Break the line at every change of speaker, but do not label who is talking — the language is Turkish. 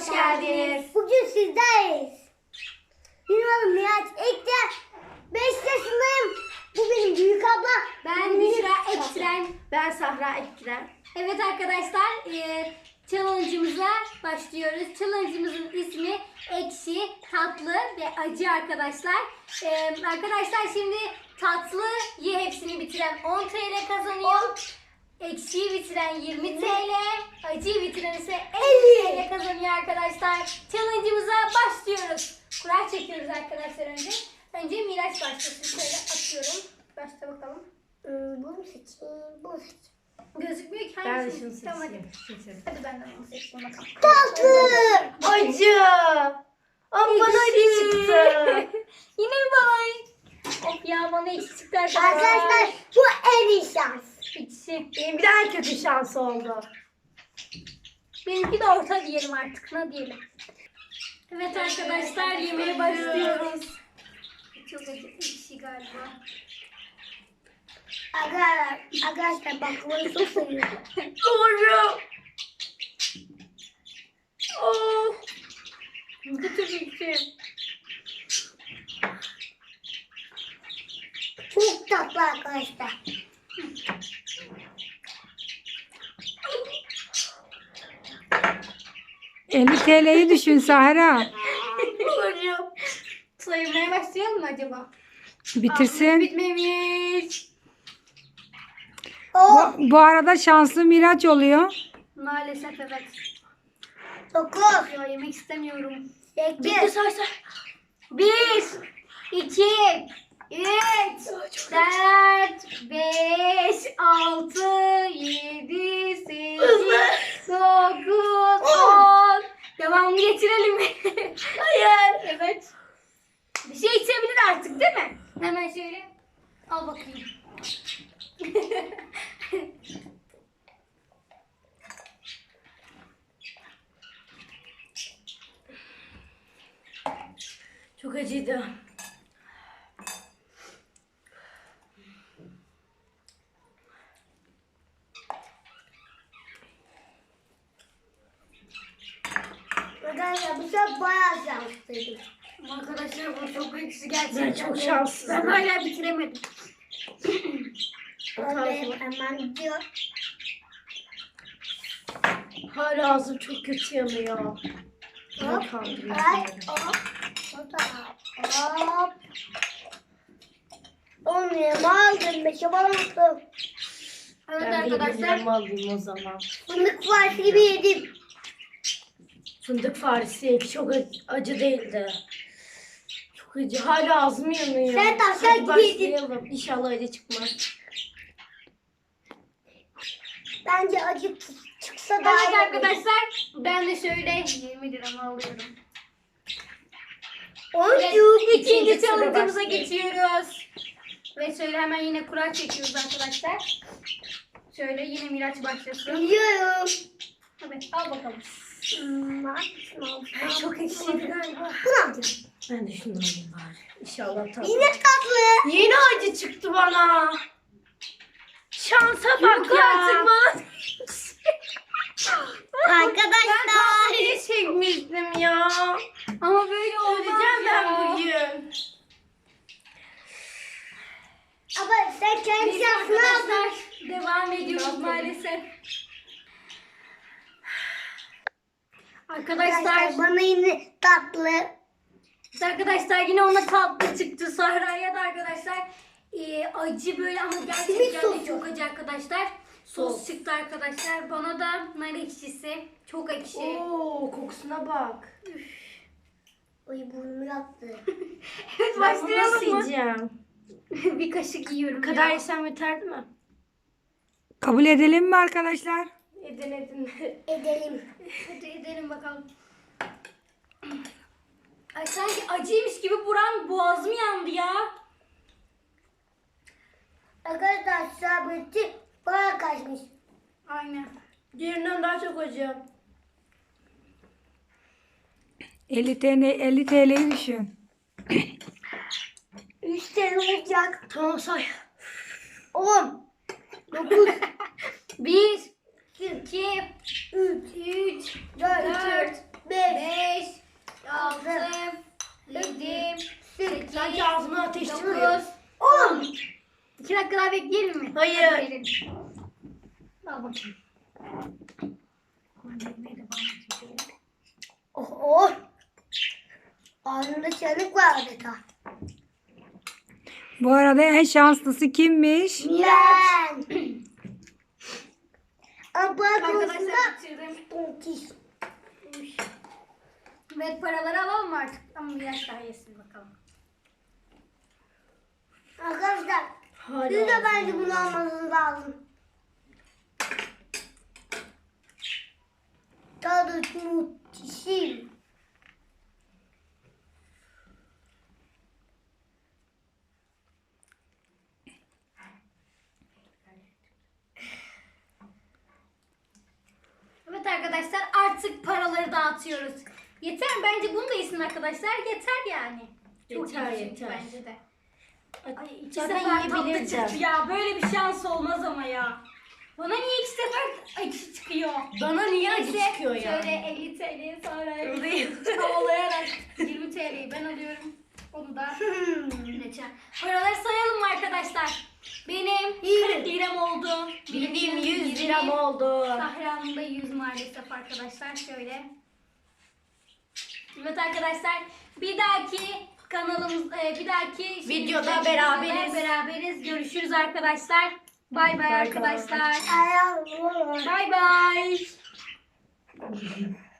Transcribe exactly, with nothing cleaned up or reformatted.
hoş geldiniz.
Bugün sizdeyiz. Benim adım Miraç Ekter. beş yaşındayım. Bu benim büyük abla.
Ben Büşra Ektiren. Ben Sahra Ektiren. Evet arkadaşlar, e, challenge'ımıza başlıyoruz. Challenge'ımızın ismi ekşi, tatlı ve acı arkadaşlar. E, arkadaşlar şimdi tatlıyı hepsini bitiren on T L kazanıyor. Ekşiyi bitiren yirmi T L, acıyı bitiren ise elli T L kazanıyor arkadaşlar. Challenge'ımıza başlıyoruz. Kura çekiyoruz arkadaşlar önce. Önce Miraç başlasın. Şöyle atıyorum. Başla bakalım.
Hmm, bunu seçeyim, bunu seçeyim.
Gözükmüyor ki
Ben de
hangisi?
şunu
Tamam,
seçeyim.
hadi.
Seçelim.
Hadi benden onu seçtim bakalım.
Tatlı.
Acı. Ama bana acı çıktı.
Yine mi bana? Of ya, bana ekşi çıktı arkadaşlar.
Arkadaşlar bu en iyi şans.
Ekşi.
Benim bir daha kötü şans oldu.
Benimki de orta diyelim artık. Ne diyelim? Evet arkadaşlar, yemeğe başlıyoruz. Çok acı, ekşi galiba.
Arkadaşlar, arkadaşlar baklavayı çok seviyorum.
Doğru. Oh.
Bu çok ekşi.
Çok tatlı arkadaşlar.
elli T L'yi düşün Sahra.
Doğru. Saymaya başlayalım mı acaba?
Bitirsin.
Bitmemiş.
O
Bu, bu arada şanslı Miraç oluyor.
Maalesef evet.
dokuz,
Ya yemek istemiyorum.
sekiz,
say say. Bir, iki, üç, dört, beş, altı, yedi, sekiz, dokuz, on. Devamını getirelim mi? Hayır. Evet. Bir şey içebilir artık değil mi? Hemen şöyle. Al bakayım.
Çok acıydı.
Arkadaşlar bu sefer bayağı şanslıydım.
Arkadaşlar bu çok ekşi gerçekten.
Ben çok şanssızım.
Ben hala bitiremedim.
Ben de hemen diyor.
Hala ağzım çok kötü yanıyor.
Hop,
Ne kandırıyor
ay,
beni?
hop, hop, hop. On lirama aldım, beşe aldım.
Evet
Ben de
arkadaşlar.
yediğimi alayım o zaman.
Fındık farkı gibi yedim.
Fındık faresi çok acı, acı değildi. Çok acı. Hala ağzım yanıyor.
Sen tavşan
Hadi
gibi yedin.
başlayalım. İnşallah acı çıkmaz.
Bence acı t- çıksa daha
Evet
iyi olur.
arkadaşlar, ben de şöyle yirmi liramı alıyorum.
On
Evet,
yıl
ikinci
tura
challenge'ımıza
başlıyor.
geçiyoruz. Ve şöyle hemen yine kura çekiyoruz arkadaşlar. Şöyle yine Miraç başlasın.
biliyorum.
Evet, al bakalım.
Hmm, hangisini alacağım?
Çok ekşiydi galiba.
Bunu alacağım.
Ben de şunu alayım bari. İnşallah tatlı.
Yine tatlı.
Yine acı çıktı bana. Şansa bak
Yok
ya.
artık bana.
Arkadaşlar.
Tatlıyı çekmiştim ya.
Ama böyle olmaz
Öleceğim
ya.
ben bugün.
Ama sen kendi
Neyse
şansını aldın.
arkadaşlar, devam ediyoruz
Tamam.
maalesef.
Arkadaşlar
Arkadaşlar,
bana yine tatlı.
arkadaşlar yine ona tatlı çıktı. Sahra'ya da arkadaşlar e, acı böyle ama gerçekten de
sosu.
çok acı arkadaşlar. Sos
Sos.
çıktı arkadaşlar. Bana da nar ekşisi. Çok ekşi.
Oo, kokusuna bak.
Oy burnumu yaktı.
Evet,
Ben bunu nasıl
başlayalım mı?
yiyeceğim?
Bir kaşık yiyorum.
Bu kadar
ya.
yesem yeterdi mi?
Kabul edelim mi arkadaşlar?
Edin edin.
Edelim.
Hadi edelim bakalım. Ay sanki acıymış gibi buram boğazım yandı ya.
Arkadaşlar sabretçi bana kaçmış.
Aynen.
Diğerinden daha çok acı.
elli T L, elli T L'yi düşün.
Üç tane olacak.
Tamam say.
On. Dokuz.
Bir, iki,
Üç.
üç,
Dört.
dört,
Beş.
dokuz, on. iki dakika daha bekleyelim mi?
Hayır.
Hadi verelim. Al bakayım.
Oh oh. Ağzımda çanık var adeta.
Bu arada en şanslısı kimmiş?
Ben. Abla konusunda
Arkadaşlar bitirdim.
tontiş.
Evet paraları alalım mı artık? Ama biraz daha yesin bakalım.
Arkadaşlar
Hala
siz de
ağzım
bence bunu almanız lazım. Tadı muhteşem.
Evet arkadaşlar artık paraları dağıtıyoruz. Yeter mi? Bence bunu da yesin arkadaşlar. Yeter yani. Çok
Yeter,
iyi çünkü
yeter.
bence de. Ay iki
Zaten
sefer tatlı
yiyebilirdim.
çıktı ya. Böyle bir şans olmaz ama ya. Bana niye iki sefer acı çıkıyor?
Bana niye acı
Neyse,
çıkıyor ya?
Şöyle elli T L'yi sonra havalayarak yirmi T L'yi ben alıyorum. Onu da geçen. Paraları sayalım mı arkadaşlar? Benim kırk liram oldu.
Benim yüz
yirmi.
liram oldu.
Sahra'nın da yüz maalesef arkadaşlar. Şöyle. Evet arkadaşlar bir dahaki kanalımız e, bir dahaki
Videoda
şeyimizde-
beraberiz.
beraberiz. Görüşürüz arkadaşlar. Bay bay
Bay bay.
arkadaşlar.
Ayağım.
Bay bay.